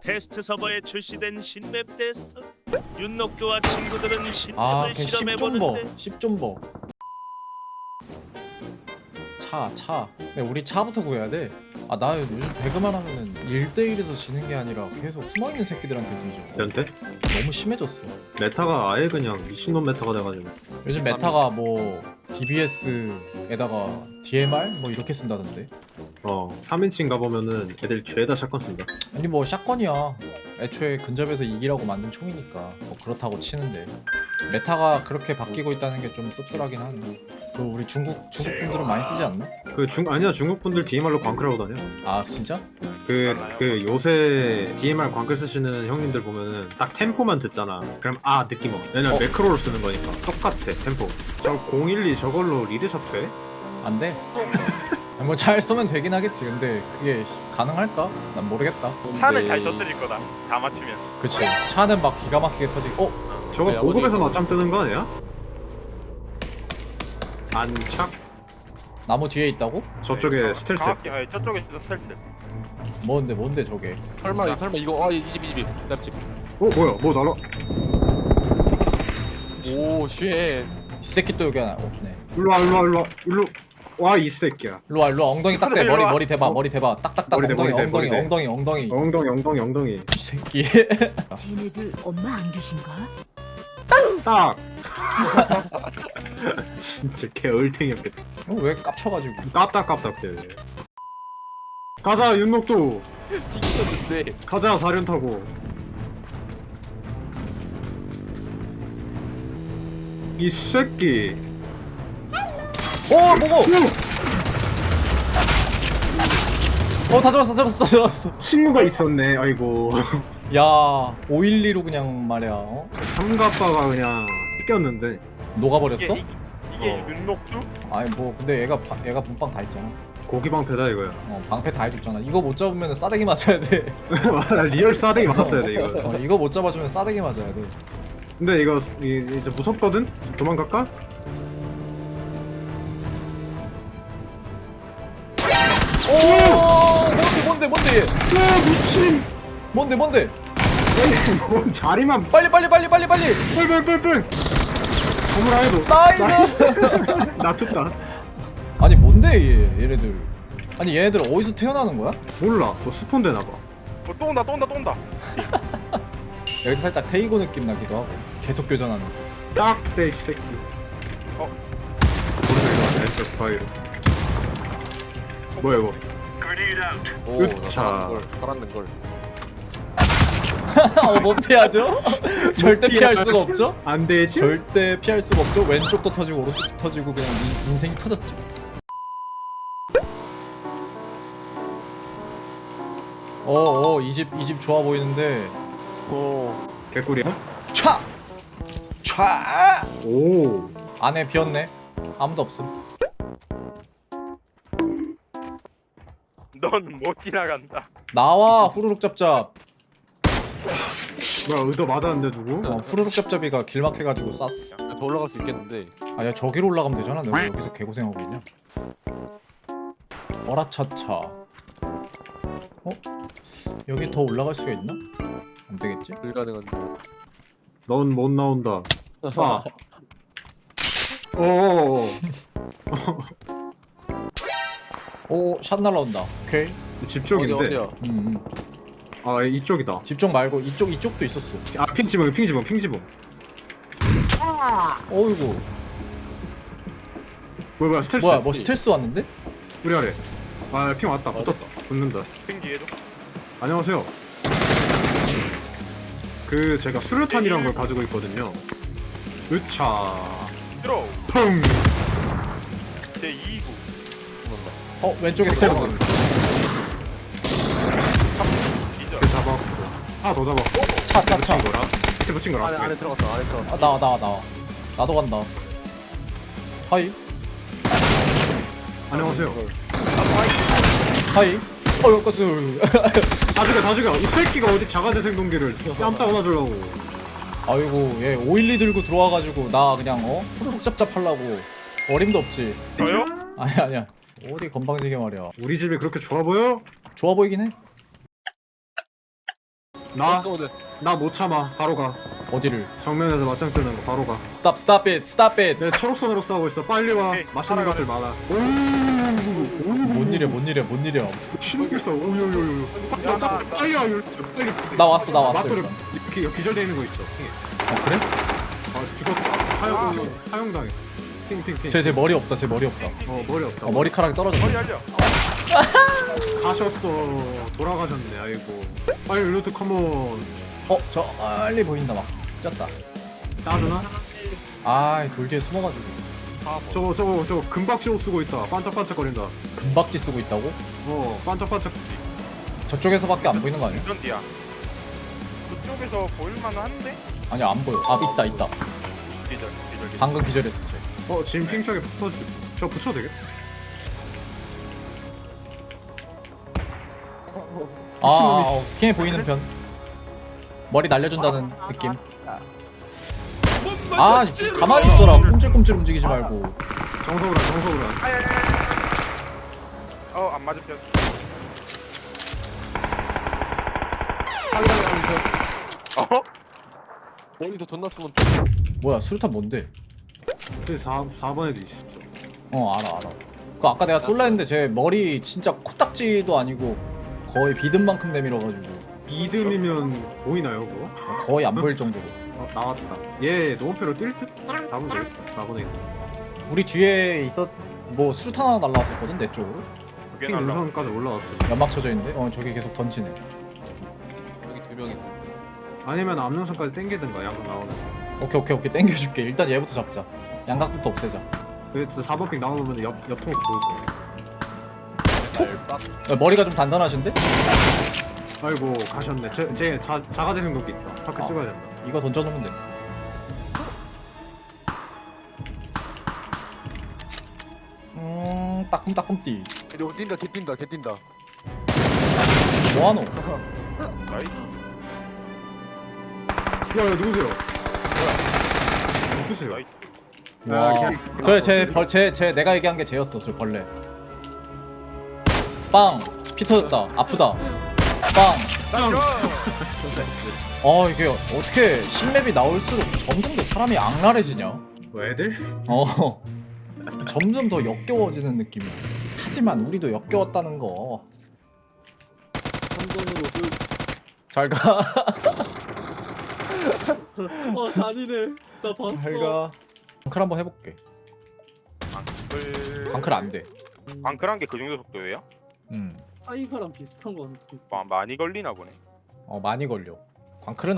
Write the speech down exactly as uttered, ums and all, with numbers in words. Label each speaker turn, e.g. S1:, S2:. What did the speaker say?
S1: 테스트 서버에 출시된 신맵 테스터 윤록교와 친구들은 신맵을
S2: 아, 걔 십 좀 버.
S1: 실험해보는데
S2: 십 좀 버. 차, 차. 근데 우리 차부터 구해야 돼. 아, 나 요즘 배그만 하면은 일 대 일에서 지는 게 아니라 계속 숨어있는 새끼들한테 뒤져.
S3: 연태?
S2: 너무 심해졌어.
S3: 메타가 아예 그냥 미친놈 메타가 돼가지고.
S2: 요즘 메타가 뭐 디비에스에다가 디엠알 뭐 이렇게 쓴다던데.
S3: 어 삼 인칭 가보면은 애들 죄다 샷건 쏜다.
S2: 아니 뭐 샷건이야. 애초에 근접에서 이기라고 만든 총이니까 뭐 그렇다고 치는데 메타가 그렇게 바뀌고 있다는 게 좀 씁쓸하긴 하네. 그 우리 중국 중국 분들은 많이 쓰지 않나?
S3: 그 중 아니야 중국 분들 디엠알로 광클하고 다녀.
S2: 아 진짜?
S3: 그 그 요새 디엠알 광클 쓰시는 형님들 보면은 딱 템포만 듣잖아. 그럼 아 느낌 와. 왜냐면
S2: 어.
S3: 매크로로 쓰는 거니까 똑같아 템포. 저 공일이 저걸로 리드샷 돼?
S2: 안 돼. 뭐 잘 쓰면 되긴 하겠지. 근데 그게 가능할까? 난 모르겠다.
S4: 차는 잘 터뜨릴 거다. 다 맞추면.
S2: 그치. 차는 막 기가 막히게 터지고. 어?
S3: 저거
S5: 네,
S3: 보급에서
S5: 어디-
S3: 맞짱 뜨는 거 아니야? 안착?
S2: 나무 뒤에 있다고?
S3: 저쪽에 스텔스.
S4: 정확히 아, 저쪽에 있어 스텔스.
S2: 뭔데 뭔데 저게?
S5: 설마 이 설마 이거 아이 집 이 집이 납집.
S3: 어 뭐야 뭐 날아?
S5: 오 쉣.
S2: 이 새끼 또 여기 하나 없네.
S3: 일로와 일로와 일로와 일로 와 이 새끼야.
S2: 일로와 일로와 엉덩이 딱대.
S4: 일로
S2: 머리
S4: 와.
S2: 머리 대봐 머리 대봐. 딱딱딱
S3: 머리 대,
S2: 엉덩이
S3: 머리 대,
S2: 엉덩이
S3: 머리 대.
S2: 엉덩이 엉덩이.
S3: 엉덩이 엉덩이 엉덩이.
S2: 이 새끼.
S6: 쟤네들 엄마 안 계신가?
S3: 딱. 진짜 개 얼탱이었겠다.
S2: 어, 왜 깝쳐가지고?
S3: 깝딱깝딱대. 가자 윤록도.
S5: 뒤졌는데.
S3: 가자 사륜 타고. 이 새끼.
S2: 오 뭐고? 어다 잡았어 잡았어 잡았어.
S3: 친구가 있었네. 아이고.
S2: 야 오일리로 그냥 말이야. 어?
S3: 삼가빠가 그냥 뺏겼는데.
S2: 녹아버렸어?
S4: 이게, 이게
S3: 어.
S4: 윤록주?
S2: 아니 뭐 근데 얘가 바, 얘가 본빵 다 했잖아.
S3: 고기 방패다 이거야.
S2: 어 방패 다 해줬잖아. 이거 못 잡으면 싸대기 맞아야 돼.
S3: 리얼 싸대기 맞았어야 돼 이거.
S2: 어, 이거 못 잡아주면 싸대기 맞아야 돼.
S3: 근데 이거 이, 이제 무섭거든? 도망갈까?
S2: 오 뭔데 뭔데 뭔데 얘?
S3: 야 미친.
S2: 뭔데 뭔데?
S3: 아니 뭐 자리만
S2: 빨리 빨리 빨리 빨리 빨리.
S3: 뿔뿔뿔뿔. 건물 안에도.
S2: 나이스.
S3: 놔뒀다.
S2: 아니 뭔데 얘 얘네들? 아니 얘네들 어디서 태어나는 거야?
S3: 몰라. 뭐 스폰 되나 봐.
S4: 어, 또 온다 또 온다 또 온다.
S2: 여기서 살짝 테이고 느낌 나기도 하고 계속 교전하는.
S3: 딱대 이 새끼.
S4: 어.
S3: 왼쪽 바위로. 뭐야 이거?
S5: 오
S3: 으차.
S5: 살았는 걸. 살았는 걸.
S2: 어, 못 피하죠? 절대 피할 수가 없죠?
S3: 안 되지?
S2: 절대 피할 수가 없죠? 왼쪽도 터지고 오른쪽도 터지고 그냥 인- 인생이 터졌죠. 어어 이 집 이 집 좋아 보이는데.
S5: 오.
S3: 개꿀이야?
S2: 촤! 촤!
S3: 오.
S2: 안에 비었네. 아무도 없음.
S4: 넌 못 지나간다.
S2: 나와 후루룩 잡잡.
S3: 뭐야 의도 맞았는데 누구?
S2: 어, 후루룩 잡잡이가 길막해가지고 쐈어.
S5: 야, 더 올라갈 수 있겠는데.
S2: 아야 저기로 올라가면 되잖아. 내가 여기서 개고생하고 있냐? 어라차차. 어? 여기 더 올라갈 수가 있나? 안 되겠지?
S5: 불가능한데.
S3: 넌 못 나온다. 빠. 오.
S2: 오, 샷 날라온다. 오케이.
S3: 집
S5: 어디
S3: 쪽인데.
S5: 어디야?
S2: 음, 음.
S3: 아 이쪽이다.
S2: 집중 말고 이쪽 이쪽도 있었어.
S3: 아 핑지붕 핑지붕 핑지붕.
S2: 어이구.
S3: 뭐야 뭐야 스텔스.
S2: 뭐야, 뭐 스텔스 왔는데?
S3: 우리 아래. 아핑 왔다. 붙었다. 붙는다.
S4: 핑기에도.
S3: 안녕하세요. 그 제가 수류탄이란 걸 가지고 있거든요. 으차.
S4: 들어.
S3: 펑.
S4: 제 이 구.
S2: 어, 왼쪽에 스텔스.
S4: 기절.
S3: 그 잡았고. 하나 더 잡았고.
S2: 차, 차, 차.
S3: 붙인 거라. 밑에 붙인 거라.
S5: 안에 안에 들어갔어. 안에 들어갔어.
S2: 아, 나와, 나와, 나와. 나도 간다. 하이.
S3: 안녕하세요.
S2: 하이. 어, 여기까지.
S3: 다 죽여 다 죽여. 이 새끼가 어디 자가재생 동기를 뺨따 안아주려고.
S2: 아이고, 얘 오일리 들고 들어와가지고 나 그냥 어? 후루룩 잡잡 하려고. 어림도 없지.
S4: 저요?
S2: 아니 아니야. 어디 건방지게 말이야.
S3: 우리 집이 그렇게 좋아 보여?
S2: 좋아 보이긴 해.
S3: 나
S5: 잠깐만.
S3: 나 못 참아. 바로 가.
S2: 어디를?
S3: 정면에서 맞짱 뜨는 거 바로 가.
S2: Stop stop it stop it.
S3: 내 초록선으로 싸우고 있어. 빨리 와.
S4: 오케이,
S3: 맛있는
S4: 따라가자.
S3: 것들 많아. 오.
S2: 뭔 일이야 뭔 일이야 뭔 일이야.
S3: 신기했어. 오요요요.
S4: 야, 나-
S3: 빨리 와. 빨리.
S2: 나 왔어 나 왔어.
S3: 맞돌이
S2: 일단.
S3: 기, 기절돼 있는 거 있어.
S2: 어 그래?
S3: 아 죽었다. 하영 하영당해. 핑핑핑.
S2: 쟤 쟤 머리 없다 쟤 머리 없다.
S3: 어 머리 없다.
S2: 어, 머리카락이 떨어졌어.
S4: 머리 알려.
S3: 가셨어. 돌아가셨네. 아이고. 빨리 루트 컴온.
S2: 어저 빨리 보인다 막. 쪘다.
S3: 따주나?
S2: 아돌 뒤에 숨어가지고.
S3: 저거 저거 저거 금박시옷 쓰고 있다. 반짝반짝거린다.
S2: 금박지 쓰고 있다고?
S3: 어 반짝반짝.
S2: 저쪽에서밖에 안 보이는 거 아니야?
S4: 운전 뒤야. 그쪽에서 보일만은 한데?
S2: 아니 안 보여. 아 있다 있다.
S4: 기절, 기절, 기절.
S2: 방금 기절했어 쟤.
S3: 어 지금 핑크하게 붙어주. 저 붙여도 되겠다.
S2: 아, 어, 킹해 보이는 편. 머리 날려준다는 느낌. 아, 가만히 있어라. 꼼찔꼼찔 움직이지 말고.
S3: 정석으로 정석으로.
S4: 어, 안 맞은 편. 어?
S5: 머리도 존나 쓰면
S2: 뭐야, 수류탄 뭔데?
S3: 저기 사 사번에도 있어.
S2: 어, 알아, 알아. 그 아까 내가 쏠라 했는데 제 머리 진짜 코딱지도 아니고 거의 비듬만큼 내밀어가지고
S3: 비듬이면 보이나요 그거?
S2: 거의 안 보일 정도로.
S3: 어, 나왔다. 얘 노원표로 뛸 듯? 나보면 되겠다. 사번에 있다.
S2: 우리 뒤에 있었 뭐 수류탄 하나 날라왔었거든 내 쪽으로.
S4: 그게
S3: 핑
S4: 날라.
S3: 능선까지 올라왔어. 지금.
S2: 연막 쳐져 있는데, 어 저기 계속 던지네.
S5: 여기 두 명 있을 때.
S3: 아니면 앞능선까지 땡기든가 양각 나오는.
S2: 오케이 오케이 오케이 땡겨줄게. 일단 얘부터 잡자. 양각부터 없애자.
S3: 그래서 사번 핑 나오면 옆 옆통에서 보일 거야.
S2: 야, 머리가 좀 단단하신데?
S3: 아이고 가셨네. 제, 제 자, 자가제 생동기 있다. 파크
S2: 아.
S3: 찍어야 된다.
S2: 이거 던져놓으면 돼. 음, 따끔따끔띠.
S5: 이거 뛴다 개 뛴다 개 뛴다.
S2: 뭐하노?
S4: 나이스.
S3: 야, 야 누구세요? 누구세요?
S4: 나이스.
S3: 야,
S2: 와.
S3: 그냥-
S2: 그래, 제, 벌, 제, 제, 내가 얘기한 게 쟤였어, 저 벌레. 빵! 피 터졌다. 아프다. 빵!
S3: 땅!
S2: 어, 이게 어떻게 신맵이 나올수록 점점 더 사람이 악랄해지냐?
S3: 뭐 애들?
S2: 어. 점점 더 역겨워지는 느낌이야. 하지만 우리도 역겨웠다는 거. 잘 가.
S7: 어 잔이네. 나 봤어.
S2: 잘 가. 광클 한번 해볼게.
S4: 광클.
S2: 광클 안 돼.
S4: 광클한 게 그 정도 속도예요?
S2: 음.
S7: 사이가랑 비슷한 거 같아.
S4: 마, 많이 걸리나 보네.
S2: 어, 많이 걸려. 광클은